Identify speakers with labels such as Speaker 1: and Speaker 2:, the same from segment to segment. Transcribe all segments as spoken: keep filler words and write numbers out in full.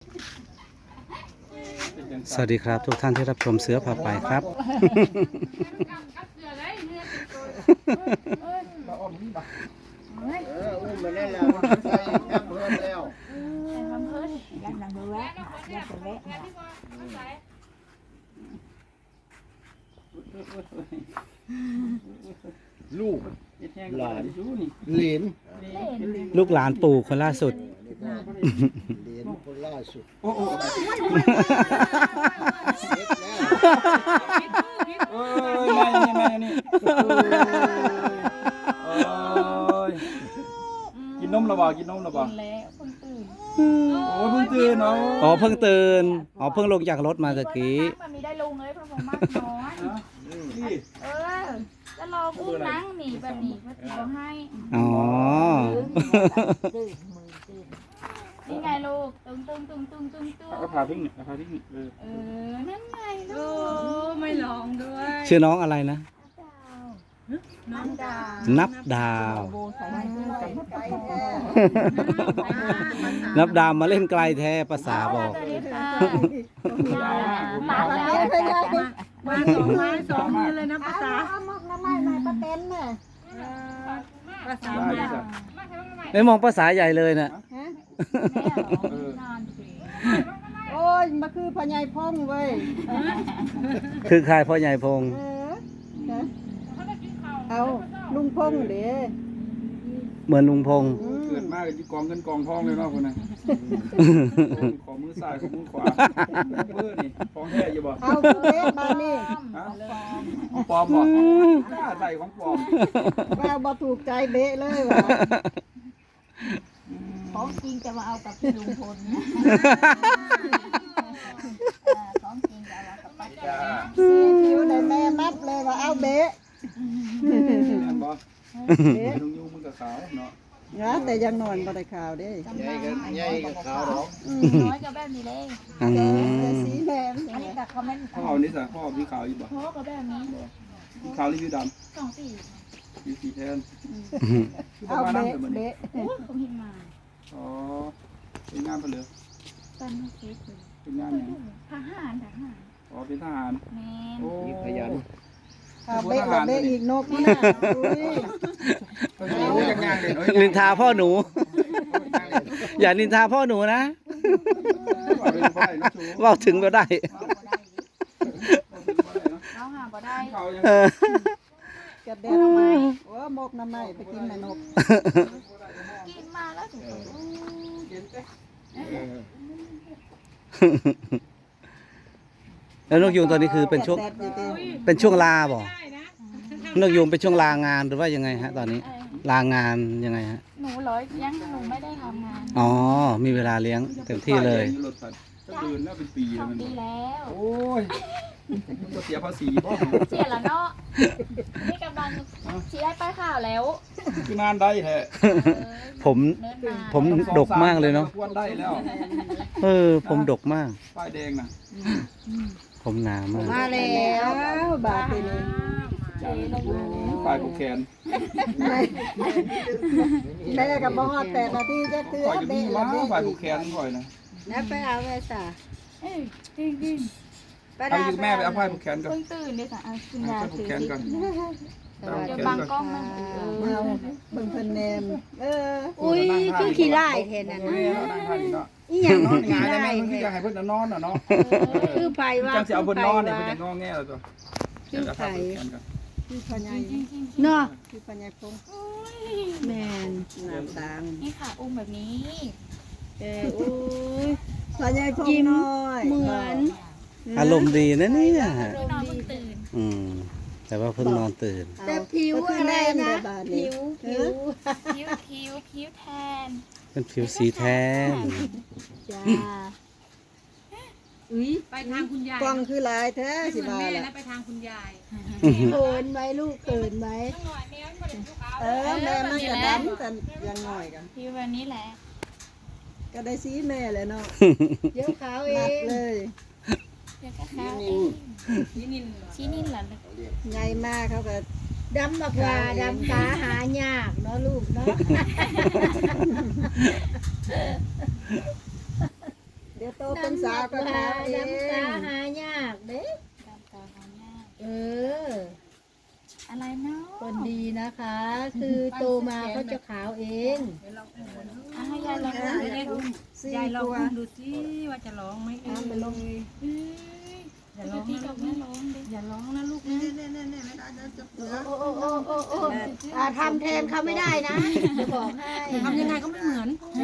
Speaker 1: สวัสดีครับทุกท่านที่รับชมเสือผ่าไปครับ
Speaker 2: เอออุ้มไปได้แล้วใส่แคบเพิ่มแล้วลูกหลานเหลน
Speaker 1: ลูกหลานปู่คนล่าสุด
Speaker 2: เหลนคนล่าสุดโอ้โหเอ้ยแม่นี่แม่นี่กินนมหรือเปล่ากินนมหรือเปล่าโอ้เพิ่งตื่นเนาะ
Speaker 1: อ๋อเพิ่งตื่นอ๋อเพิ่งลงจากรถมาตะกี้
Speaker 3: มันมีได้ลงเลยเพราะผมมากน้อยเออแล้วรอกุ้งนั่งหนีแบบนี้ก็ตีให้
Speaker 1: อ๋อ
Speaker 3: นี่ไงลูกตึงตึงตึงตึงตึงตึง
Speaker 2: ก็พาพิ้งเนี่ยพาพิ้งเออ
Speaker 3: เออนั่นไงลูกไม่ลองด้วย
Speaker 1: ชื่อน้องอะไรนะ
Speaker 3: น้องดาว
Speaker 1: นับดาว นับดาวมาเล่นไกลแท้ภาษาบอก
Speaker 3: สวัสดีค่ะมาแล้วมาสองไม้สองมือเลยนะภาษา
Speaker 4: น้ำไม้หน่อยป้าเต้นน่ะ
Speaker 3: ภาษา
Speaker 2: ได้
Speaker 3: แม่
Speaker 2: จ้ะ
Speaker 1: ไม่มองภาษาใหญ่เลยน่ะ
Speaker 4: ฮะ
Speaker 3: นอนสิ
Speaker 4: โอ้ยมาคือพ่อใหญ่พ่องเว้ย
Speaker 1: คือใครพ่อใหญ่พงษ์
Speaker 4: เออฮะเอาลุงพงเด้
Speaker 1: เหมือนลุงพงษ์
Speaker 2: เกิดมากจะกองเงินกองทองเลยเนาะคนน่ะขอมือซ้ายขอมือขวาเบอร์นี่ฟองแท้อยู่บ่
Speaker 4: เอาคือเด้บานนี่
Speaker 2: ฮะของปลอมบ่กล้าใส่ของปลอม
Speaker 4: แววบ่ถูกใจเบะเลยว่ะ
Speaker 3: ของจริงจะมาเอากับพี่ลุงพลนะของจริงจะเอากับป้าแก้ว
Speaker 4: สีผิวได้แม่นับเลยว่าเอาเบะ
Speaker 2: อันบ่
Speaker 4: เบะ
Speaker 2: ลุงยูมันก็ขาวเนาะ
Speaker 4: นะแต่ยังนอนบ่ได้ข่าวเด้
Speaker 2: ใหญ่ก็ใหญ่ก็ขาวดอก
Speaker 4: อืม
Speaker 3: น้อยกับแบบนี้เลย
Speaker 1: อื
Speaker 4: แต่
Speaker 1: ม
Speaker 4: สีแม่มัน
Speaker 3: อันนี้กับคอมเมนต์
Speaker 2: พ่อเอานี่ซะพ่อพี่ขาวอยู่บ่
Speaker 3: โพกับแบบนี้เลย
Speaker 2: พี่ขาวหรือพี่ด
Speaker 3: สองสี่
Speaker 2: ำพี่สีแทนคือป
Speaker 4: เอา
Speaker 2: ระมาณนั้น
Speaker 4: เบะ
Speaker 2: เหมือน
Speaker 4: เบะ
Speaker 3: โอ้ยผมเห็นมา
Speaker 2: อ๋อเป็นงานเพลือ
Speaker 3: ตอนนี้เค้กเลย
Speaker 2: เป็นงานหยัง
Speaker 3: ทหารทหาร
Speaker 2: อ๋อเป็นทหาร
Speaker 3: แมน
Speaker 2: โอ้ขยัน
Speaker 4: เอาเบะแล้วเบะอีกนกนี่น่ะอุ้ย
Speaker 2: โอ้ยยังงานเลยเนาะ
Speaker 1: นินทาพ่อหนู อย่านินทาพ่อหนูนะเว่าถึงก็ได้
Speaker 3: เราหาบ่ได้
Speaker 1: เออก
Speaker 4: ระเด็นเอาไม้โอ้มกน้ำไม้ไปกินแม่นก
Speaker 3: กินมาแล้วถึง
Speaker 1: แล้วนกยูงตอนนี้คือเป็นช่วง
Speaker 4: แดดอยู่เด้
Speaker 1: เป็นช่วงลาบ่นกยูงเป็นช่วงลางานหรือว่ายังไงฮะ ตอนนี้ ลางานยังไงฮะ
Speaker 3: หนูร้อยยังหนูไม่ได้ทำงาน
Speaker 1: อ๋อ มีเวลาเลี้ยงเต็มที่เลย
Speaker 2: รถตัดจะเดินแล้วเป็นปี
Speaker 3: ส
Speaker 2: แล้
Speaker 3: อ
Speaker 2: ว
Speaker 3: ง
Speaker 2: มัน
Speaker 3: ปีแล้ว
Speaker 2: โอ้ยมันก็เสียภาษีบ่
Speaker 3: เสียแล้วเนาะนี่กำลังชี้ได้ป้ายข่าวแล้ว
Speaker 2: คือนานได้แท้
Speaker 1: ผม
Speaker 3: เนินมา
Speaker 1: ผมดกมากเลยเนาะ
Speaker 2: ควรได้แล้ว
Speaker 1: เออ ผมดกมาก
Speaker 2: ป้ายแดงน่ะ
Speaker 1: ผมหนามาก
Speaker 4: มาแล้วบาดทีนี้
Speaker 2: ป้ายผูกแขน
Speaker 4: แม่กับบ่ฮอดแปดนาทีจะเตือ
Speaker 2: ข่อยจะมี
Speaker 4: เบะ
Speaker 2: มา
Speaker 4: ละเบะ
Speaker 2: ป้ายผู
Speaker 4: อี
Speaker 2: ก
Speaker 4: ก
Speaker 2: แขนข่อยนะ
Speaker 4: แล้วไปเอาแม่สา
Speaker 3: เอ้ยจริงจริง
Speaker 4: ไป
Speaker 2: เอาอยู่แม่ไปเอาป้ายผูกแขนก่อน
Speaker 3: เพิ่งตื่นเลยค่ะเอาคุณ
Speaker 2: เอา
Speaker 3: ยา
Speaker 2: ป้ายผูก
Speaker 3: ถือ
Speaker 2: แขน
Speaker 3: สิ
Speaker 2: ก่อน
Speaker 3: เดี๋ยวบังกล้องมันเอ
Speaker 4: เอา
Speaker 3: อ
Speaker 4: เบิ่งเพิ่นแนมเออ
Speaker 5: อุ้ยคือขี้ไล่แทนน่ะ
Speaker 2: โอ้
Speaker 5: นะ
Speaker 2: ยเอานั่งท่านี้เนาะ
Speaker 5: อีหยัง
Speaker 2: นอน
Speaker 5: ขี้
Speaker 2: งานได้
Speaker 5: ไล่
Speaker 2: ไหมมัน
Speaker 5: แท
Speaker 2: คืออยาก
Speaker 5: น
Speaker 2: ให้เพิ่นนอนน่ะเนาะ
Speaker 5: คือไผว่า
Speaker 2: จังสิเอาเพิ่นนอนเนี่ย
Speaker 5: คื
Speaker 2: เพิ่น
Speaker 5: อ
Speaker 2: จะงอแงแล้วตัว
Speaker 5: คือ
Speaker 2: จะ
Speaker 5: ไผ
Speaker 2: พาผูกแขนก่อน
Speaker 4: คือพ่อใหญ่
Speaker 5: เนาะ
Speaker 4: คือพ่อใหญ่พง
Speaker 5: แม่น
Speaker 4: น้ำตาง
Speaker 3: นี่ค่ะอุ้มแบบนี้
Speaker 5: เอออุ้ย
Speaker 4: พ่อใหญ่พง
Speaker 5: ยิ้ม
Speaker 4: น้อย
Speaker 5: เหมือน
Speaker 1: อารมณ์ดีนะเนี่ย
Speaker 3: เพิ่งนอนเพิ่งตื่น
Speaker 1: อืม แต่ว่าเพิ่งนอนตื่น
Speaker 5: แต่ผิวอะไรนะผิวผิว
Speaker 3: คิ้วคิ้วคิ้วแทน
Speaker 1: เป็นผิวสีแทน
Speaker 5: จ้าอุ้ย
Speaker 6: ไปทางคุณยาย
Speaker 4: กล้องคือหลายแท้
Speaker 6: ไม่
Speaker 4: สิ
Speaker 6: เหมือน
Speaker 4: ว่า
Speaker 6: แม่
Speaker 4: ล่ะ
Speaker 6: นะไปทางคุณยาย
Speaker 5: เขินไหมลูกเขินไหม
Speaker 4: เออแม่มันก็ดำแต่ยังน้อยกัน
Speaker 3: คิ้วแบบนี้แหละ
Speaker 4: ก็ได้สีแม่เลยเนาะ
Speaker 5: เดี๋ยวขาวเอ
Speaker 4: นัด
Speaker 5: ง
Speaker 4: เลย
Speaker 3: เดี๋ยวก็ข้าวเอง
Speaker 6: นี่นินเหรอ
Speaker 3: ชี้นินเหรอ
Speaker 4: ใหญ่มากเขาก็
Speaker 5: ดำบักว่าดำตาหายากเนาะลูกเนาะ
Speaker 4: นเดี๋ยวโตเป็นสาวก็ขาวเอ
Speaker 5: ดำตาง หายากเด้
Speaker 3: ดำตาหายาก
Speaker 5: เออ
Speaker 3: อะไรเนาะ
Speaker 5: คนดีนะคะ คือโตมาเขาจะขาวเอง
Speaker 3: อ่ะให้ยายลองดู
Speaker 4: สี่
Speaker 6: ยายลอง
Speaker 4: ตัว
Speaker 6: ดูสิว่าจะร้องไหมเออ
Speaker 4: น้ำไปลง
Speaker 6: เอ้ยอย่าร้อง
Speaker 3: พี่
Speaker 6: นะ
Speaker 3: กับ
Speaker 6: ลู
Speaker 3: แม่
Speaker 6: กนะ
Speaker 3: ร้องดิ
Speaker 6: อย่าร้องนะลูก
Speaker 4: นี่
Speaker 6: นะ
Speaker 4: นี่นี่นี่ไม่ได้จะจับเสือ
Speaker 5: โอ้โอ้โอ้โอ้โอ้อ่าทำแทนเขาไม่ได้นะจะบอกให้
Speaker 6: ทำยังไงก็ไม่เหมือน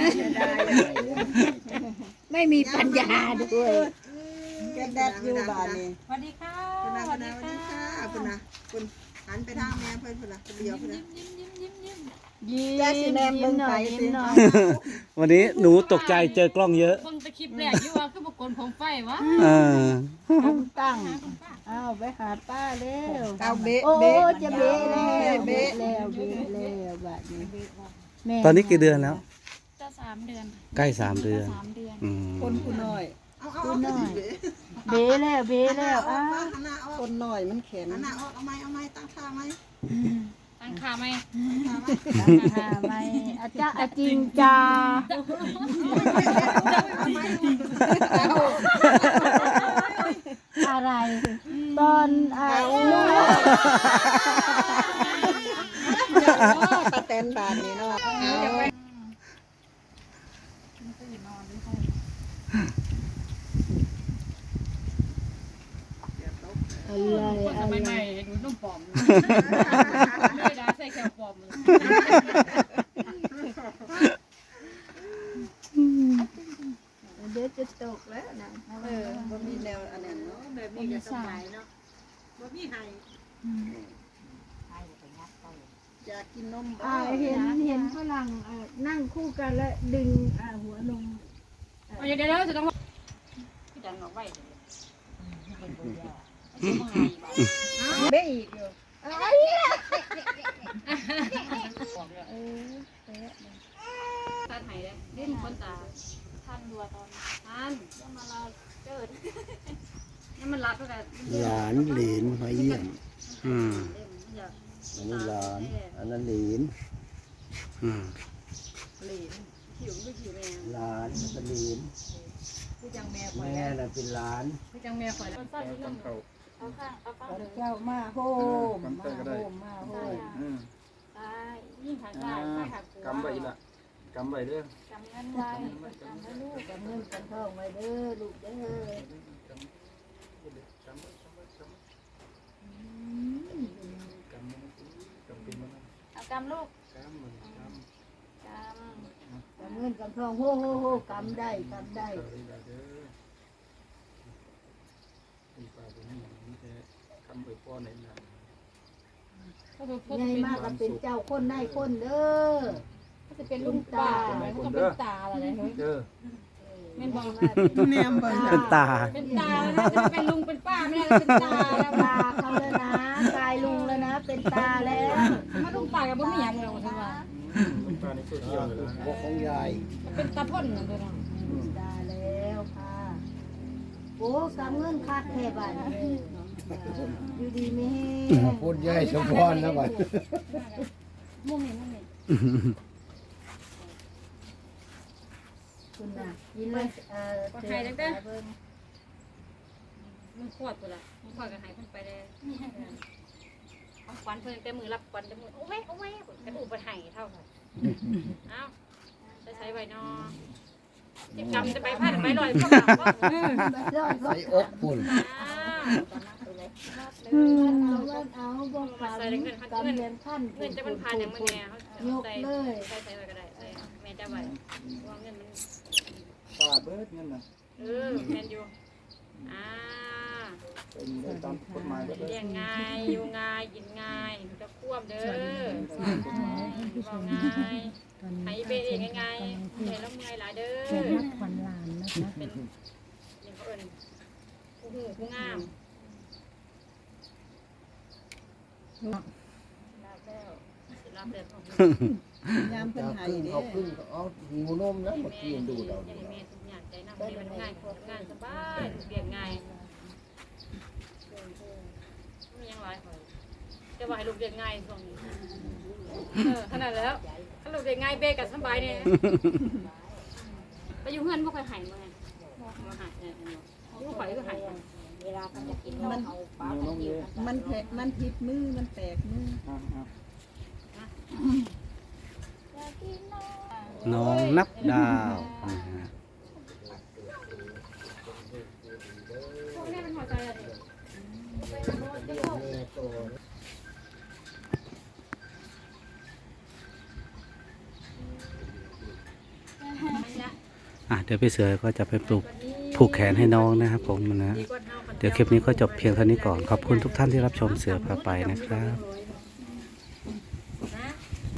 Speaker 5: ไม่มีปัญญาด้วย
Speaker 4: แกแดดอยู่บ้านนี่
Speaker 6: สวัสดีค่ะ
Speaker 4: คุณนะ
Speaker 6: ส
Speaker 4: คุ
Speaker 6: วั
Speaker 4: ณ
Speaker 6: ส
Speaker 4: นะ
Speaker 6: ดี
Speaker 4: สวัส
Speaker 6: ค่ะ
Speaker 4: ดีค่ะคุณนะคุณหันไปทางแม่เพิ่นคุณนะเดียวคุณนะ
Speaker 3: ยิ้มยิ้มยิ้มยิ้ม
Speaker 5: ยิ้ม
Speaker 4: แจ๊สสีแดงเบิ่งไปสิ
Speaker 5: ยิ้มหน่อย
Speaker 1: วันนี้หนูตกใจเจอกล้องเยอะ
Speaker 6: เบิ่งแต่คลิปแรกอยู่ว่าคือบุคคลผมไฟวะ
Speaker 1: เออ
Speaker 5: ผมตั้งอ้าวไปหาป้าเร็ว
Speaker 4: เอาเบะ
Speaker 5: โอ้
Speaker 4: เบะ
Speaker 5: จะเบะแล้ว
Speaker 4: เบะ
Speaker 5: เบะแล้วเบะแล้วบัดนี้แม่
Speaker 1: ตอนนี้กี่เดือนแล้ว
Speaker 3: จะสามเดือน
Speaker 1: ใกล้สามเดือน
Speaker 3: สามเดือน
Speaker 1: อืม
Speaker 4: คนคุณน้อยเอาเอา
Speaker 5: คุณห
Speaker 4: เอา
Speaker 5: น่อยเบะแล้วเบะแล้วอ้าว
Speaker 4: คนน้อยมันแข็งหน้าออกเอาไม้เอาไม้ตั้งค่าไม้
Speaker 6: ตั้งขาไหม
Speaker 5: หาไม่อาจารย์จริงจ้าอะไร ตอนอ่าลูก
Speaker 4: ตาแตนบาทนี่เนาะ
Speaker 5: อะไร
Speaker 6: คนส
Speaker 5: อะไร
Speaker 6: มัยใหม่ดูนุ่มปลอมไม่ได้ใส่แค่ปลอมเลย
Speaker 5: เดี๋ยวจะตกแล้วนะ
Speaker 4: เออบ่มีแนวอันนั้นเนาะแบบนี้ก็สบายเนาะบ่มีไห้อยากกินนมบ่
Speaker 5: อ่าเห็นเห็นฝรั่งอ่านั่งคู่กันแล้วดึงอ่าหัวนม
Speaker 6: เอาเดี๋ยวเดี๋ยวจะต้องพี่ดันออกไว้
Speaker 5: เบ้อีกอยู่
Speaker 6: ท่านไหนเลยดิ้นคนตา
Speaker 3: ท่านรัวตอน
Speaker 6: ท่าน
Speaker 3: จะมาลาเกิด
Speaker 6: นี่มันรัดเท่าไหร่
Speaker 7: หลานเหลนมาเยี่ยม
Speaker 1: อืม
Speaker 7: อันนี้หลาน อันนั้นเหลน
Speaker 1: อืม
Speaker 6: ผิวไม่ผิวแม่
Speaker 7: หลานเป็นเหลน
Speaker 6: พี่จังแม่คอย
Speaker 7: แม่น่ะเป็นหลาน
Speaker 6: พี่จังแม่คอยแล้ว
Speaker 3: สั้นนิดนึ
Speaker 2: ตั้
Speaker 3: ง
Speaker 2: งเขา
Speaker 3: เอาข้างเอาข้างเลย
Speaker 5: เจ้ามาโฮมมาโฮมมาโฮม
Speaker 2: อืม
Speaker 3: ซ้ายยิ่งทาง
Speaker 2: อ่า
Speaker 3: ซ้ายซ้ายหักหัว
Speaker 2: กำไว้อีกละกำไว้เด้อก
Speaker 3: ำเงินไว้กำไว้ลูก
Speaker 5: กับเงินกันทองไว้เด้อลูกเด้อ
Speaker 2: กำมันกำเป็นมัน
Speaker 3: เอากำลูก
Speaker 2: กำมันกำ
Speaker 3: กำ
Speaker 5: กับเงินกันทองโฮโฮโฮกำได้กำได้
Speaker 2: เด้อเด้อมีปลาตัวนี้มีแต่คำไปป้อนในนั้น
Speaker 6: ก็คือพวก
Speaker 5: ใหญ่มากก็เป็นเจ้าคนได้คนเด้อ
Speaker 6: ก็จะเป็นลุงตาก็จะเป็นตาอะไรเฮ้ย
Speaker 2: เด้อ
Speaker 6: แม่บอก
Speaker 4: แนมเบิ่ง
Speaker 1: เป็นตา
Speaker 6: เป็นตาแล้วจะเป็นลุงเป็นป้าไม่ได้เป็นตาแล้ว
Speaker 5: ตาเขาแล้วนะกายลุงแล้วนะ เป็นตาแล้ว
Speaker 6: มาลุงป้ากับบ่มีหยังเลยว่าซั่นว่า
Speaker 2: ลูกตาในโซเชียลเลยนะ
Speaker 7: พวกของยาย
Speaker 6: เป็นตาพ่นนั่นตัวเนาะ
Speaker 5: ตาแล้วค่ะโอ้กำเงินคักแค่บ้านอยู่ดีไม่แห้ง
Speaker 7: พูดยายสมพรนะบัด
Speaker 6: มุ่งนี่มุ่งนี่
Speaker 5: คุณน่ะยินเลยเอ่อ
Speaker 6: ก็หายจังเด้อมันขวดตัวละมันขวดก็หายเพิ่นไปแล้วเอาควันเพิ่นแต่มือรับควันแต่มือโอ้ยโอ้ยแต่อู่บ่หายเท่าค่ะเอ้าจะใช้ไว้เนาะสิกรรมจะไปพาดไปลอยพวกเราเออ
Speaker 7: ใส่อกปุ่น
Speaker 5: อืมเอาเงินเอาบ่ฟังกำเรียนขั้น
Speaker 6: เงินจะมันผ่านอย่างมันแน่เขา
Speaker 5: ยก
Speaker 6: ใส่
Speaker 5: เลย
Speaker 6: ใส่ใส่ไว้ก็ได้ใส่แม่จะไว้ว่าเงินมัน
Speaker 2: ปลาเบิดเงินน่ะ
Speaker 6: เออแม่นอยู่อ่า
Speaker 2: เป็นได้ตามกฎหมายเบิดเลย
Speaker 6: เลี้ยงง่ายอยู่ง่ายกินง่ายมันจะควบเด้อบอกง่ายให้เบเองง่ายๆเห็นแล้วเมื่อยหลายเด้อ
Speaker 5: ขวัญลานนะคะ
Speaker 6: เป็นอย่างเขาเอิญผู้หูผู้งามรับแล้วสิรับแล้วของ
Speaker 4: ยามเพิ่น
Speaker 7: จาก
Speaker 4: ให้
Speaker 7: ขึ้น
Speaker 4: เด้
Speaker 7: เอาขึ้นก็เอาหิวนมแล้วมากินดูดเอา
Speaker 6: อย่างแม่ทุกอย่างใจนำให้มันง่ายงานสบายเรียนง่ายไม่ยังไรคอยจะว่าให้ลูกเรียนง่ายช่วงนี้เออขนาดแล้วถ้าลูกเรียนง่ายเบกับสบายเนี่ยไปอยู่เฮือนบ่ค่อยหายมาไง
Speaker 3: หมอ
Speaker 6: อยากกินนมเอาปลาตะเกียบ
Speaker 4: มันแผลมันผิดมือมันแตกมือ
Speaker 2: อ่ะอ่ะ
Speaker 3: อยากกินนม
Speaker 1: น้องนับดาวนะฮะ
Speaker 6: พวกนี้มันพอใจอะไร
Speaker 7: แม่โต
Speaker 1: อ่ะเดี๋ยวพี่เสือก็จะไปปลูกผูกแขนให้น้องนะครับผมนะ เดี๋ยวคลิปนี้ก็จบเพียงเท่านี้ก่อน ขอบคุณทุกท่านที่รับชมเสือพาไปนะครับ
Speaker 6: ร้อย